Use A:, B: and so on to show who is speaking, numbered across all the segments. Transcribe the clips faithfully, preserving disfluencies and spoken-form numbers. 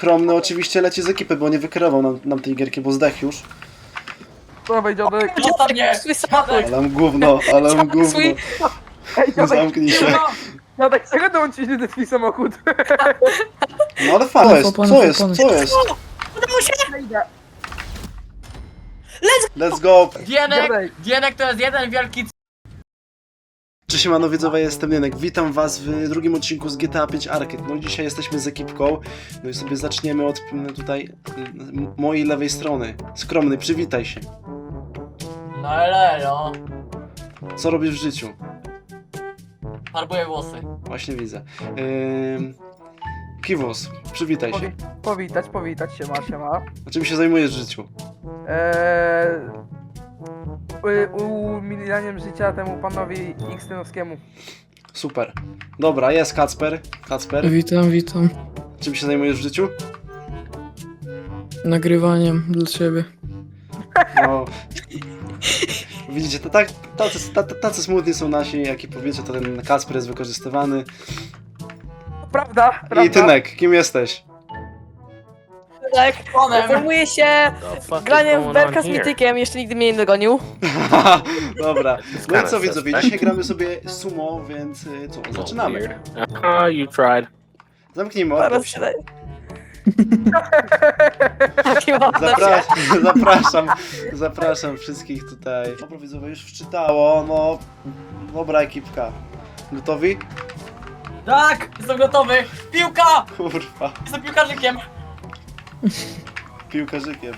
A: Skromny oczywiście leci z ekipy, bo nie wykierował nam, nam tej gierki, bo zdech już.
B: Dawaj, dziadek.
C: Zostaw mnie! Dziadek!
A: Ale mam gówno, ale mam gówno.
B: Ej, dziadek,
A: Zamknij się.
B: dziadek, czego dołączyć do twój samochód?
A: No ale fajnie, jest, co jest, co jest?
C: Udało się!
A: Let's go!
C: Dienek!
B: Dziadek.
C: Dienek to jest jeden wielki...
A: Cześć siemano widzowie, jestem Jenek. Witam was w drugim odcinku z G T A pięć Arcade. No i dzisiaj jesteśmy z ekipką. No i sobie zaczniemy od m, tutaj m, mojej lewej strony. Skromny, przywitaj się.
C: No elelo.
A: Co robisz w życiu?
C: Farbuję włosy.
A: Właśnie widzę. Ym... Kiwos, przywitaj się.
B: Powi powitać, powitać się, ma, się ma.
A: A czym się zajmujesz w życiu?
B: Eee, u- umilianiem życia temu panowi X-Tenowskiemu.
A: Super. Dobra, jest Kacper. Kacper,
D: Witam, witam.
A: czym się zajmujesz w życiu?
D: Nagrywaniem dla ciebie.
A: No. Widzicie, to tak, tacy, tacy, tacy smutni są nasi, jak i powiecie, to ten Kacper jest wykorzystywany.
B: Prawda, prawda.
A: I Tynek, kim jesteś?
E: Tak,
C: Onem!
E: zajmuję się graniem w berka z mitykiem, jeszcze nigdy mnie nie dogonił.
A: Dobra, no i co widzowie, dzisiaj gramy sobie sumo, więc y, co, zaczynamy.
F: Ah, you tried.
A: Zamknijmy
E: Zaraz
A: oczy.
E: się daje. Taki ładny.
A: Zapraszam, zapraszam, zapraszam wszystkich tutaj. Dobra widzowie, już wczytało, no, dobra ekipka. Gotowi?
C: Tak! Jestem gotowy! Piłka!
A: Kurwa,
C: Jestem piłkarzykiem!
A: piłkarzykiem.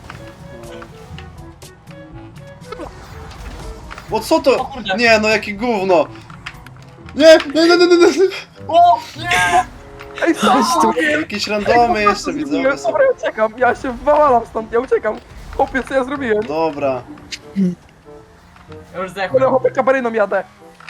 A: No. O co
C: O
A: to?
C: kurde.
A: Nie, no jakie gówno! Nie, nie, nie, nie, nie, nie.
C: O! Nie!
B: Ej, co?
A: Jakieś randomy jeszcze widzowie są.
B: Dobra, ja uciekam, ja się wywalam stąd, ja uciekam. Chłopie, co ja zrobiłem?
A: Dobra.
C: Ja już
B: Kurde,
C: zdechłem.
B: chłopie, kabaryną jadę.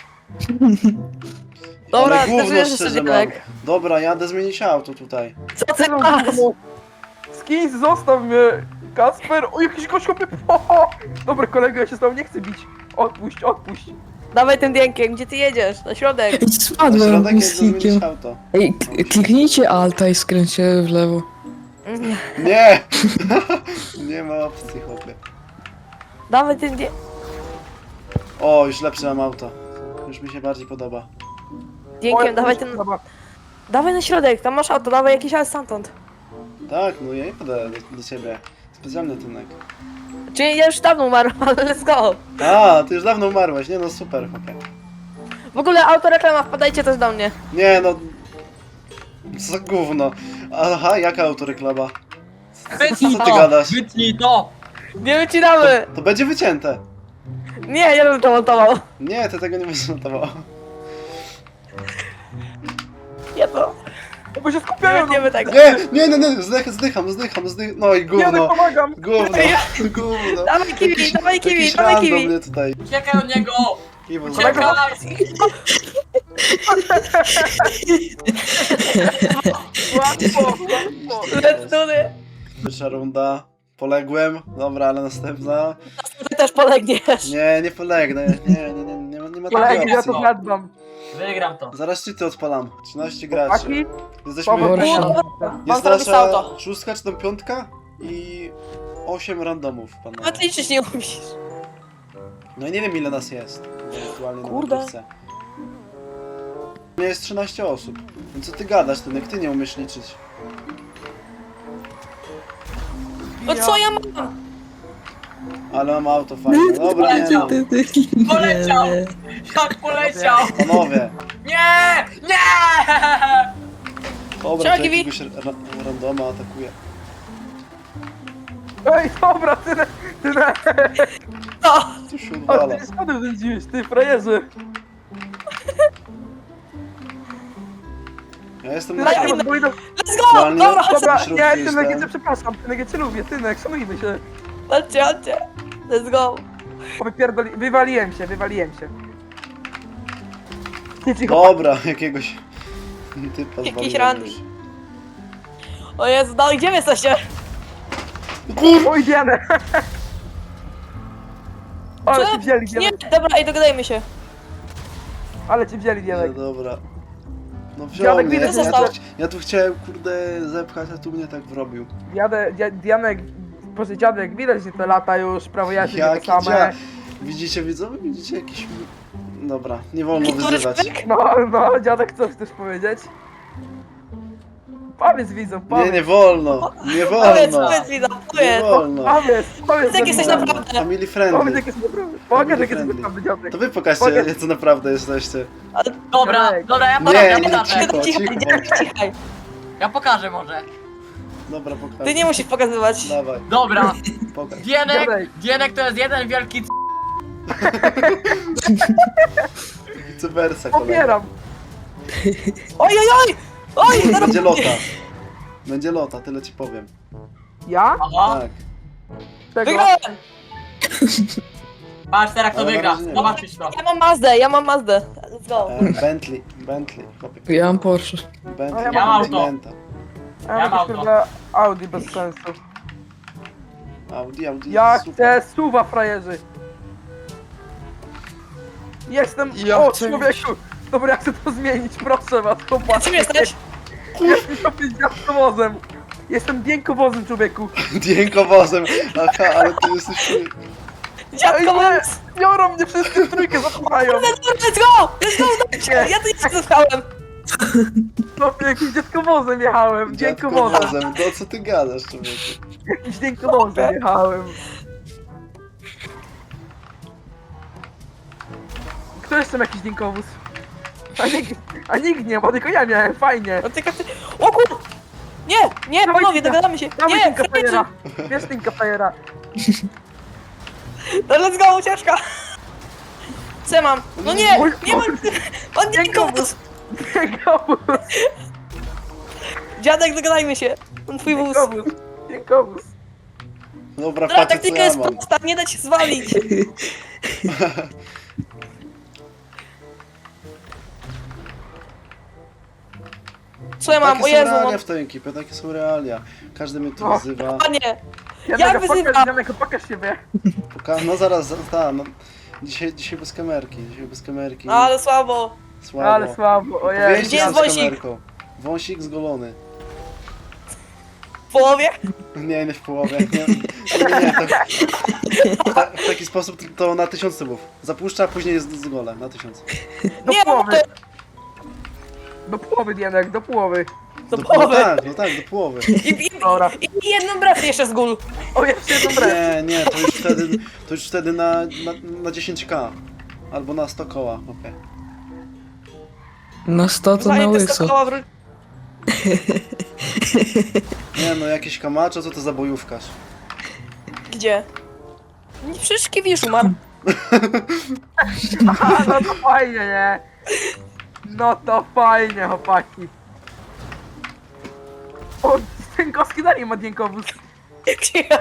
E: Dobra,
A: Ale gówno
E: zdecydujesz, że
A: szczerze
E: sobie
A: mam.
E: tak.
A: Dobra, jadę zmienić auto tutaj.
E: Co ty masz?
B: Skins, zostaw mnie. Kasper, o jakiś gość, chłopie. O, dobra, kolego, ja się z tobą nie chcę bić. Odpuść, odpuść.
E: Dawaj tym dienkiem, gdzie ty jedziesz? Na środek.
D: Ej,
A: Na
D: spadłem
A: środek jadę
D: mystikiem.
A: zmienić auto.
D: Ej, k- kliknijcie alta i skręćcie w lewo.
A: Nie! Nie ma opcji, chłopie.
E: Dawaj tym dienkiem.
A: O, już lepsze mam auto. Już mi się bardziej podoba.
E: Dienkiem, dawaj ten...
B: Dobra.
E: Dawaj na środek, tam masz auto, dawaj jakiś ale stamtąd.
A: Tak, no ja nie jadę do, do ciebie. Specjalny Tynek.
E: Czyli ja już dawno umarłam, ale let's go.
A: A, ty już dawno umarłeś, nie no super, chłopie.
E: W ogóle autoreklama, wpadajcie też do mnie.
A: Nie no... Co za gówno. Aha, jaka autoreklama?
C: Wytnij
A: Co ty
C: to!
A: gadasz?
C: Wytnij to!
E: Nie wycinamy.
A: To będzie wycięte.
E: Nie, ja bym to montował.
A: Nie, ty tego nie będziesz notował.
E: Ja to.
B: Bo się skupiają.
E: Nie tego.
A: Nie, nie, nie, nie, zdych, zdycham, zdycham, zdycham. No i
B: Ja
A: gówno.
B: pomagam.
A: Gówno, gówno.
E: Dawaj kiwi,
A: Jakiś-
E: dawaj kiwi,
A: jakiś
E: dawaj
A: random
E: kiwi.
A: mnie tutaj.
C: Uciekaj od niego!
A: Kiwo,
C: Uciekaj!
B: Łatwo, łatwo.
E: Let's do it.
A: Pierwsza runda. Poległem. Dobra, ale następna.
E: Ty też polegniesz.
A: Nie, nie polegnę. Nie, nie, nie, nie, ma- nie ma
B: Kolego,
A: takiej
B: ja
A: opcji.
B: to zadbam.
C: Wygram to.
A: Zaraz cheaty odpalam. trzynaście graczy.
B: Chłopaki,
A: Jesteśmy...
B: Paweł,
D: Gorsze.
E: Mam
A: Jest
E: zrobić
A: nasza
E: auto.
A: szóstka czy tam piątka i osiem randomów, panowie.
E: Nawet liczyć nie umiesz.
A: No i nie wiem ile nas jest. Aktualnie
E: Kurde.
A: na gotówce. Nie jest trzynaście osób. No co ty gadasz, ten jak ty nie umiesz liczyć?
E: No co ja mam?
A: Ale mam auto fajne. Dobra, nie no.
C: Poleciał! Jak poleciał!
A: Panowie.
C: Nie! Nie!
A: Dobra,
E: Siema,
A: to
E: Kiwi.
A: jakiegoś ra randoma atakuje.
B: ej, dobra, ty, ty,
E: No.
A: Tu się
B: a
A: odwala.
B: ty spadł zędziłeś, ty frajerze.
A: Ja jestem na
E: Daj
A: środku.
E: mi-
B: Bo idą-
E: Let's go!
A: Aktualnie-
E: Dobra,
B: Dobra,
A: środku
B: nie,
A: jestem.
B: Tynek, ja cię przepraszam, Tynek, ja cię lubię, Tynek, szanujmy się.
E: chodźcie, chodźcie. Let's go.
B: O, wypierdoli, wywaliłem się, wywaliłem się. Ty cicho,
A: Dobra, jakiegoś typa
E: Jakiś
A: zwaliłem
E: randy.
A: już.
E: O Jezu, dalej, gdzie wy jesteście?
B: oj, Dianę. Ale
E: Co?
B: cię wzięli,
E: Nie,
B: Dianek,
E: dobra, ej, dogadajmy się.
B: ale cię wzięli,
A: Nie,
B: Dianek.
A: dobra. No wziął
B: Dziadek
A: mnie,
B: widać
A: ja,
E: został.
A: tu, ja tu chciałem kurde zepchać, a tu mnie tak wrobił.
B: Jadę, dzia- Dianek, proszę dziadek, widać, że te lata już, prawo jazdy nie
A: Jaki
B: to same.
A: dzia... Widzicie widzowie? Widzicie jakiś... Dobra, nie wolno
E: Który
A: wyzywać.
E: szpyk?
B: No, no, dziadek, co chcesz powiedzieć? Powiedz widzom,
A: Nie,
B: powiedz,
A: nie wolno, nie
E: Powiedz,
A: wolno,
E: powiedz mi, no,
A: nie
E: powiedz.
A: wolno.
B: powiedz, powiedz,
E: Jak jesteś
B: że-
E: naprawdę?
A: Family
B: Powiedz,
A: friendly.
B: jak jest naprawdę, pokaż, jak jest
A: friendly.
B: naprawdę dziadek.
A: To wy pokażcie,
B: Pokaż.
A: co naprawdę jesteście.
C: Dobra,
B: Dziadek.
C: dobra, ja
A: Nie,
C: pokażę, ja
A: nie,
C: pokażę.
A: cicho,
E: Cichaj,
A: cicho.
E: dziadek, cichaj.
C: Ja pokażę może.
A: Dobra, pokaż.
E: Ty nie musisz pokazywać.
A: Dawaj,
C: Dobra,
A: pokaż.
C: Dienek,
B: Dziadek.
C: Dienek to jest jeden wielki c...
A: Cybersa, kolega.
B: Popieram.
E: Oj, oj, oj! Oj, zaraz
A: Będzie lota. Będzie lota, tyle ci powiem.
B: Ja?
C: Aha,
A: Tak.
B: Czego?
E: wygrałem!
C: patrz teraz kto
A: Ale na
C: wygra,
A: razie nie.
C: zobaczysz to.
E: Ja mam Mazdę, ja mam Mazdę. Let's go.
A: E, Bentley, Bentley. Chłopie.
D: Ja mam Porsche.
A: Bentley,
B: Ja
C: mam auto.
A: Continenta.
B: Ja
C: Ja
B: mam
C: mam
B: jakieś,
C: to.
B: kurde, Audi bez sensu.
A: Audi, Audi,
B: Ja
A: super.
B: chcę suwa, frajerzy. Jestem...
D: Ja
B: o,
D: chcę
B: człowieku! Dobra, ja chcę to zmienić, proszę was, chłopak.
E: Czym jesteś?
B: Jestem sobie dziadkowozem. Jestem dźwiękowozem, człowieku.
A: Dźwiękowozem. Aha, ale ty jesteś...
E: Dziadko,
B: Ej,
E: mam...
B: nie! Biorą mnie wszyscy w trójkę, zachowają.
E: Let's go! Let's go!
B: Nie.
E: Ja tu nie zostałem.
B: Chłopie, jakimś dziadkowozem jechałem, dźwiękowozem.
A: Dziadkowozem. To co ty gadasz, człowieku?
B: Jakimś dźwiękowozem jechałem. Kto jeszcze ma jakiś dźwiękowóz? A nikt, a nikt nie ma, tylko ja miałem, fajnie.
E: No tylko ty... O kur... Nie, nie,
B: Dawaj,
E: panowie,
B: Tinka.
E: dogadamy się.
B: Dawaj
E: Nie,
B: Tinka
E: frajerzy.
B: Fajera. Wiesz Tinka Fajera.
E: No let's go, ucieczka. Co ja mam? No nie,
B: Mój-
E: nie mam... On nie
B: Dźwiękowóz. Dźwiękowóz.
E: Dziadek, dogadajmy się. On twój wóz.
B: Dźwiękowóz. Dźwiękowóz.
A: Dobra,
E: Dobra,
A: patrzcie co
E: taktyka
A: ja
E: jest
A: mam.
E: prosta, nie da się zwalić. Co ja mam?
A: Takie
E: O
A: są
E: Jezu,
A: realia
E: mam...
A: w tej ekipie, takie są realia. Każdy mnie tu
B: O.
A: wyzywa.
E: Panie,
B: Janek,
E: wyzywam?
B: pokaż, Janek, pokaż siebie.
A: Poka- no zaraz, zaraz, ta, no. Dzisiaj, dzisiaj bez kamerki, dzisiaj bez kamerki.
E: ale słabo.
A: Słabo.
B: Ale słabo, ojej.
A: Powiedzcie
E: Gdzie jest
A: z
E: wąsik?
A: kamerką. Wąsik zgolony.
E: W połowie?
A: Nie, nie w połowie. Nie, nie, nie to, ta, w taki sposób to na tysiąc subów. Zapuszcza, a później jest z golem, na tysiąc.
B: Do
E: Nie, no
B: połowy.
E: to...
B: Do połowy, Janek, do połowy.
E: Do
A: no
E: połowy.
A: tak, no tak, do połowy.
E: I, i,
B: Dobra.
E: i jedną brew jeszcze z gól.
B: O, jeszcze jedną brew.
A: Nie, nie, to już wtedy, to już wtedy na, na, na dziesięć ka. Albo na sto koła, okej.
D: Na sto to na
E: Zanim te
D: łyso.
E: skokoła wró-
A: Nie no, jakieś kamaczo, co to za bojówkarz?
E: Gdzie? Nie, przecież Kiwisz umarł.
B: Aha, no to fajnie, nie? No to fajnie, chłopaki. O, Dźwiękowski dalej ma dźwiękowóz.
E: Gdzie ja?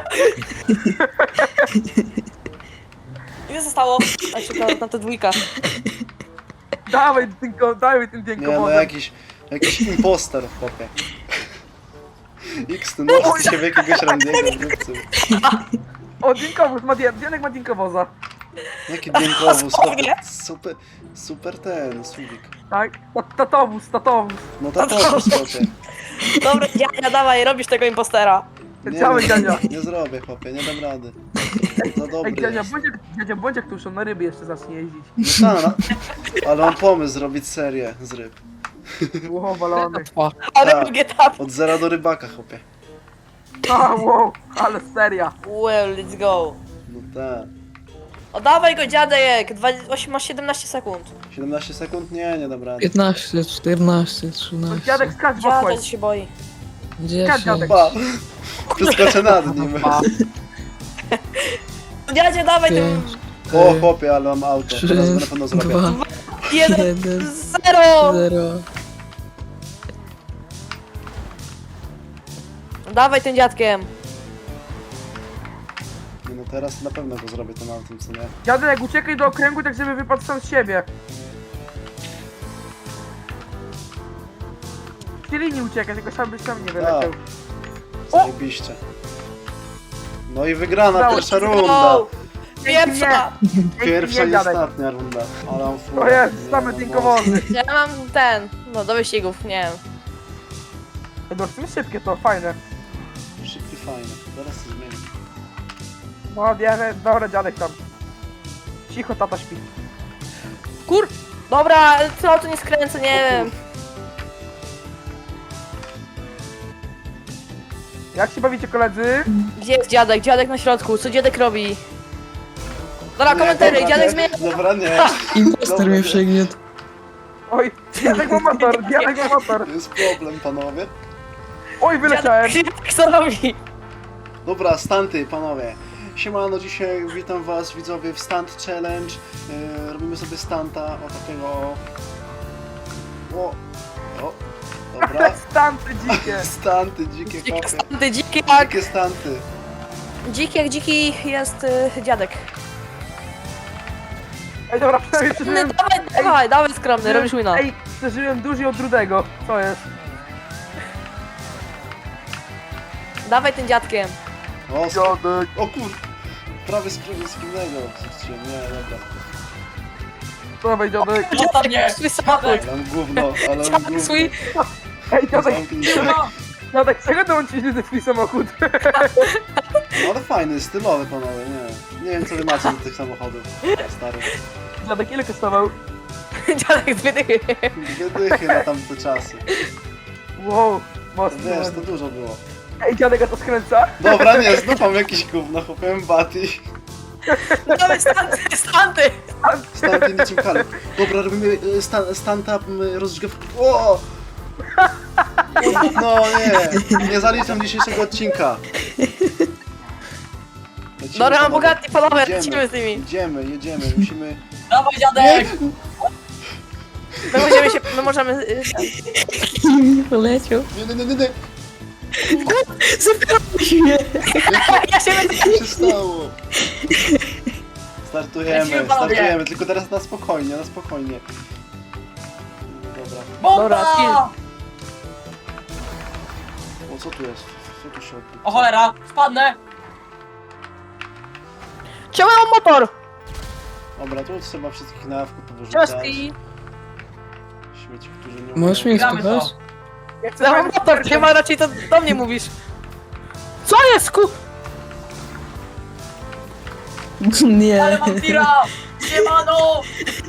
E: Ile zostało? A czekaj, na to dwójka.
B: Dawaj, dźwięko, dawaj tym
A: Nie no,
B: dźwiękowozem.
A: jakiś, jakiś imposter, chłopie. X, ty no, z ciebie jakiegoś randiego wrócił.
B: O, dźwiękowóz, ma dźwięk, Dźwięk ma dźwiękowoza.
A: Jaki dźwiękowóz,
E: Dosłownie.
A: chłopie. Super, super ten, subik.
B: Tak? Ta- Tatowóz, tatowóz.
A: No tak, chłopie.
E: Dobra, Dziania, dawaj, robisz tego impostera.
A: Nie,
B: Cały
A: nie,
B: dziadzia.
A: nie zrobię, chłopie, nie dam rady. Za dobry
B: Ej, dziadzia,
A: jest.
B: bądź jak, dziadzia, bądź jak tuszą, na ryby jeszcze zacznie jeździć.
A: No tak, no. Ale mam pomysł zrobić serię z ryb.
B: Ło, walony.
E: Ale
A: Tak.
E: drugi etap.
A: Od zera do rybaka, chłopie.
B: A, wow, ale seria.
E: Well, let's go.
A: No tak.
E: O, dawaj go, dziadek. Dwa, osiem, masz siedemnaście sekund.
A: siedemnaście sekund? Nie, nie dam rady.
D: piętnaście, czternaście,
B: To
D: trzynaście.
B: dziadek skacz w
E: Dziadek
B: okład.
E: się boi.
D: dziesięć.
B: dziadek.
A: Pa! Przeskoczę nad nim.
E: Dziadzie, dawaj tym...
D: pięć,
A: O, chłopie, ale mam auto.
D: trzy,
A: Teraz będę pewno zrobię.
D: dwa,
E: Jeden,
D: jeden,
E: zero.
D: zero.
E: Dawaj tym dziadkiem.
A: Nie, no teraz na pewno go zrobię tym autem, co nie?
B: Dziadek, uciekaj do okręgu, tak żeby wypadł sam z siebie. Z linii uciekać, tylko sam byś tam nie wyleciał. O!
A: Zajebiście. No i wygrana
B: Udało
A: pierwsza
E: Go.
A: runda.
E: Pierwsza.
A: Pierwsza
B: nie,
A: i
B: dziadek.
A: ostatnia runda. Ale mam
B: O
A: furę.
B: jest,
A: Nie,
B: same
A: no,
B: dźwiękowozy.
E: Ja mam ten, No, do wyścigów, nie wiem.
B: No, w tym szybkie to, fajne.
A: Szybki, fajny. Zaraz to zmienię.
B: No, wiemy, dobra, dziadek tam. Cicho, tata śpi.
E: Kur... Dobra, co tu nie skręcę, nie
A: O
E: wiem.
B: Jak się bawicie, koledzy?
E: Gdzie jest dziadek? Dziadek na środku, co dziadek robi? Dobra,
A: Nie,
E: komentary,
A: dobra,
E: dziadek
A: nie.
E: zmienia...
A: Dobra, nie.
D: Impostor
A: Dobra,
D: mnie
A: nie.
D: przegniótł.
B: Oj, dziadek ma motor, dziadek ma motor.
A: To jest problem, panowie.
B: Oj, wyleciałem.
E: Dziadek co robi?
A: Dobra, stanty, panowie. Siemano, dzisiaj witam was, widzowie, w Stunt Challenge. Yy, robimy sobie stanta, o takiego... O, o, dobra.
B: Stanty dzikie.
A: Stanty, dzikie
E: Dzikie
A: kopie.
E: stanty, dziki jak...
A: Dzikie stanty.
E: Dziki jak dziki jest y, dziadek.
B: Ej, dobra, przynajmniej
E: No,
B: przeżyłem...
E: dawaj, dawaj, dawaj skromny, robisz wina.
B: Ej, przeżyłem dłużej od Rudego. Co jest?
E: Dawaj tym dziadkiem.
A: O, sk-
B: Dziadek.
A: o kur... Prawie z wspólnego. Nie, dobra.
B: Dawaj, dziadek.
C: Zostaw mnie!
E: Swój samochód.
A: Ale mam gówno, ale mam
E: Dziadek
A: gówno.
E: swój...
B: Ej, dziadek,
A: Zamknij się.
C: No,
B: dziadek, czego dołączyliście do twój samochód?
A: No ale fajny, stylowy, panowie, nie. Nie wiem, co wy macie do tych samochodów. Stary.
B: Dziadek, ile kosztował?
E: Dziadek z wydychy.
A: Wydychy na tamte czasy.
B: Wow, mocno.
A: Wiesz, to dużo było.
B: Ej, dziadek, a to skręca?
A: Dobra, nie, znów mam jakieś gówno, chłopiem Bati.
E: Dawaj stanty, stanty.
A: Stanty niczym kalek. Dobra, robimy e, sta, stanta m, rozgrzewki. O! No nie, nie zaliczam dzisiejszego odcinka. Lecimy,
E: Dobra, mam
A: panowie.
E: bogatni panowie,
A: Jedziemy.
E: lecimy z nimi.
A: Jedziemy, jedziemy, musimy...
C: dawaj dziadek!
E: My możemy się, my możemy... y,
D: Nie poleciał.
A: Nie, nie, nie, nie, nie.
D: Zabrałeś mnie.
E: Ja się będę...
A: Co się stało? Startujemy,
C: Lecimy, panowie.
A: startujemy, tylko teraz na spokojnie, na spokojnie. Dobra.
C: Bomba!
E: Dobra, kill.
A: O, co tu jest? Co tu się odbywa?
C: O cholera, spadnę!
E: Ciąłem motor!
A: Dobra, tu trzeba wszystkich na awku powyrzucać.
E: Cioski!
A: Śmieci, którzy nie
D: Możesz mnie
C: Gramy to.
D: skupasz?
B: Ja chcę
E: Ciąłem
B: fajny
E: motor,
B: super-
E: chyba raczej to do mnie mówisz. Co jest ku...
D: Nie.
C: Ale mam tira! Siemano!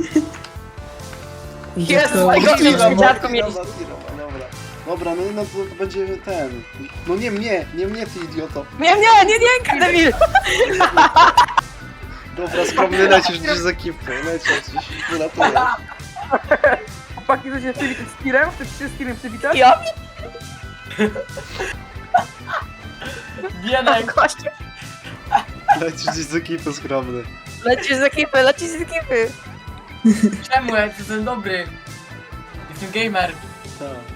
E: Jest,
D: Dziadko,
E: mojego
A: Tira,
E: dziadku
A: Martina,
E: mieli.
A: Martina, dobra. Dobra, no, no to, to będzie ten. No nie mnie, nie mnie ty idioto.
E: Nie, nie, nie, nie, debil!
A: Dobra, skromny lecisz gdzieś z ekipy, lecisz gdzieś, wylatuje.
B: Chłopaki, to się przywitać z tirem? Chcesz się z tirem przywitać?
E: Ja
C: Bienek!
E: gościu.
A: Lecisz gdzieś z ekipy, skromny.
E: Lecisz z ekipy, lecisz z ekipy.
C: Czemu? Ja jestem dobry. Jestem gamer.
A: Tak.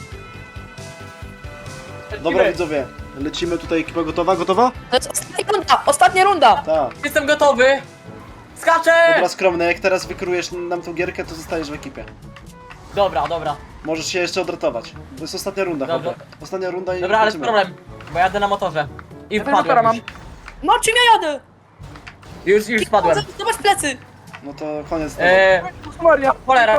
A: Dobra widzowie, lecimy tutaj, ekipa gotowa, gotowa?
E: To jest ostatnia runda, ostatnia runda.
A: Tak.
C: Jestem gotowy! Skaczę!
A: Dobra, skromny, jak teraz wykrujesz nam tą gierkę, to zostajesz w ekipie.
C: Dobra, dobra.
A: Możesz się jeszcze odratować. To jest ostatnia runda,
C: Dobra.
A: chłopie. Ostatnia runda i
C: Dobra, ale jest
A: lecimy.
C: problem, bo jadę na motorze. I
B: Ja też motora
C: wpadłem
B: mam.
C: już.
E: No czym ja jadę?
C: Już, już spadłem.
E: Zobacz plecy.
A: No to koniec tego.
C: Eee,
B: Jezus Maria!
C: Cholera.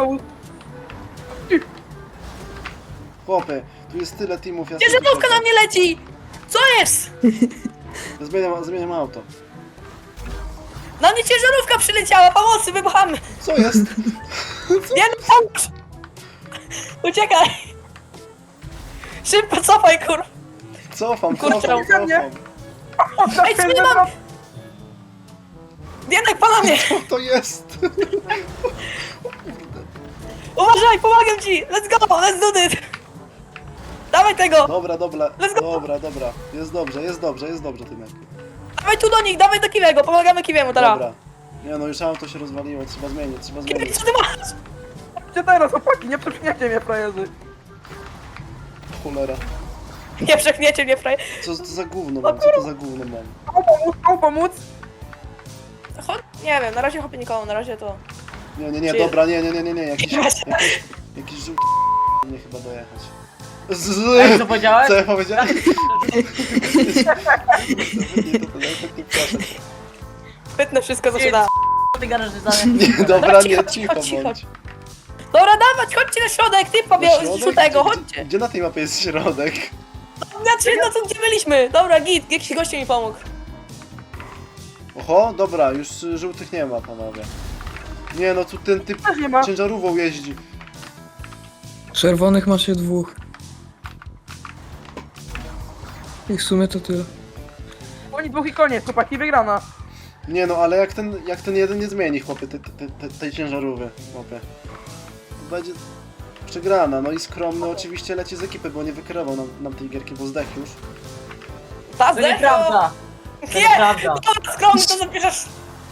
A: Chłopie, tu jest tyle teamów, ja
E: Ciężarówka na mnie leci. Co jest?
A: Zmieniam, zmieniam auto.
E: Na mnie ciężarówka przyleciała, pomocy, wybuchamy.
A: Co jest?
E: Nie no, pomóż. Uciekaj. Szybko cofaj, kur...
A: Cofam,
E: Kurczę,
A: cofam,
B: za mnie.
A: cofam.
E: Ej, co nie mam? Biedak, pana mnie.
A: Co to jest?
E: Uważaj, pomagam ci. Let's go, let's do this. Dawaj tego.
A: Dobra, dobra,
E: Let's go.
A: dobra, dobra. Jest dobrze, jest dobrze, jest dobrze, Tymek.
E: Dawaj tu do nich, dawaj do Kiwiego, pomagamy Kiwiemu teraz.
A: Dobra. Nie no, już auto się rozwaliło, trzeba zmienić, trzeba
E: Kiwi,
A: zmienić.
E: co ty masz?
B: Gdzie teraz, chłopaki? Nie przepchniecie mnie, frajerzy.
A: Cholera.
E: Nie przechniecie mnie, fraj.
A: Co to za gówno mam, co to za gówno mam?
B: Komu pomóc? Komu pomóc?
E: Chodź, nie wiem, na razie chopie nikomu, na razie to...
A: Nie, nie, nie,
E: Czy-
A: dobra, nie, nie, nie, nie, nie, jakiś,
E: Jakaś-
A: jakiś, jakiś żółty mnie chyba dojechać.
C: Ej,
A: Z...
C: co powiedziałeś?
A: Co ja powiedziałem? Nie, to to nawet nie przeszedł.
E: Pytnę wszystko, co się da.
C: Ty garażyzany.
A: Nie, dobra,
E: Dobra, cicho,
A: nie,
E: cicho,
A: cicho
E: cicho.
A: bądź.
E: Dobra, dawać, chodźcie na środek, ty
A: Na
E: Paweł,
A: środek?
E: z żółtego,
A: Gdzie-
E: chodźcie.
A: Gdzie na tej mapie jest środek?
E: Znaczy, no to gdzie byliśmy? Dobra, git, jakiś gościu mi pomógł.
A: Oho, dobra, już y, żółtych nie ma, panowie. Nie no, tu ten typ
B: Też nie ma.
A: ciężarówką jeździ.
D: Czerwonych masz je dwóch. I w sumie to tyle.
B: Oni dwóch i koniec, chłopaki, wygrana.
A: Nie no, ale jak ten, jak ten jeden nie zmieni, chłopie, te, te, te, tej ciężarówki, chłopie. To będzie przegrana, no i skromny oczywiście leci z ekipy, bo nie wykierował nam, nam tej gierki, bo zdech już.
E: Ta
C: To nieprawda. To
E: Nie,
C: nieprawda.
E: dobra, skromny, to zapiszesz.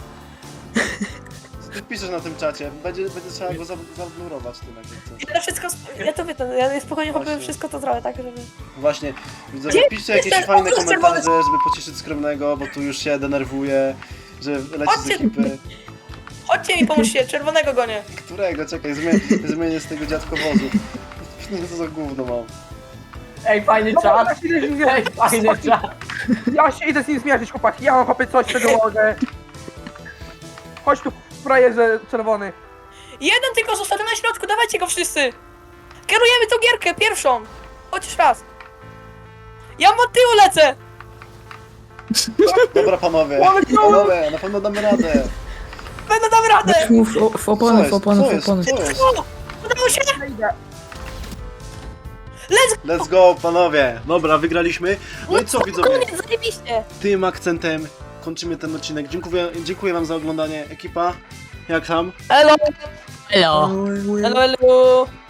A: Co ty piszesz na tym czacie? Będzie, będzie trzeba go za- zablurować, ty na gierce.
E: Ja to wszystko, sp- ja to wiem, ja spokojnie chłopie
A: Właśnie.
E: wszystko to zrobię, tak, żeby...
A: Właśnie, widzowie,
E: Gdzie
A: piszcie jakieś
E: jest ten
A: fajne
E: obraz
A: komentarze,
E: czerwony?
A: żeby pocieszyć skromnego, bo tu już się denerwuje, że leci z
E: Chodźcie.
A: ekipy.
E: Chodźcie mi, pomóżcie, czerwonego gonię.
A: Którego? Czekaj, zmienię, zmienię z tego dziadkowozu. Co za gówno mam.
C: Ej, fajny
B: Dobra,
C: czas.
B: ja się idę z nim
C: Ej, fajny czas.
B: Ja się idę z nim zmierzyć, chłopaki, ja mam chłopie coś, czego mogę. Chodź tu, frajerze czerwony.
E: Jeden tylko został na środku, dawajcie go wszyscy. Kierujemy tą gierkę, pierwszą. Chociaż raz. Ja od tyłu lecę.
A: Dobra panowie,
B: Ale co?
A: panowie, na pewno damy radę.
E: Będę dam radę.
D: Dać mu w, o- w
A: Co
D: opony,
A: jest?
D: w opony,
A: Co
D: w
A: jest?
D: opony.
A: Co jest?
E: O, udało się.
B: Idę.
E: Let's
A: Let's go panowie. Dobra, wygraliśmy. No i co widzowie?
E: Koniec, zajebiście.
A: Tym akcentem kończymy ten odcinek. Dziękuję, dziękuję wam za oglądanie. Ekipa, jak tam?
E: Elo,
C: Hello.
E: elo, elo.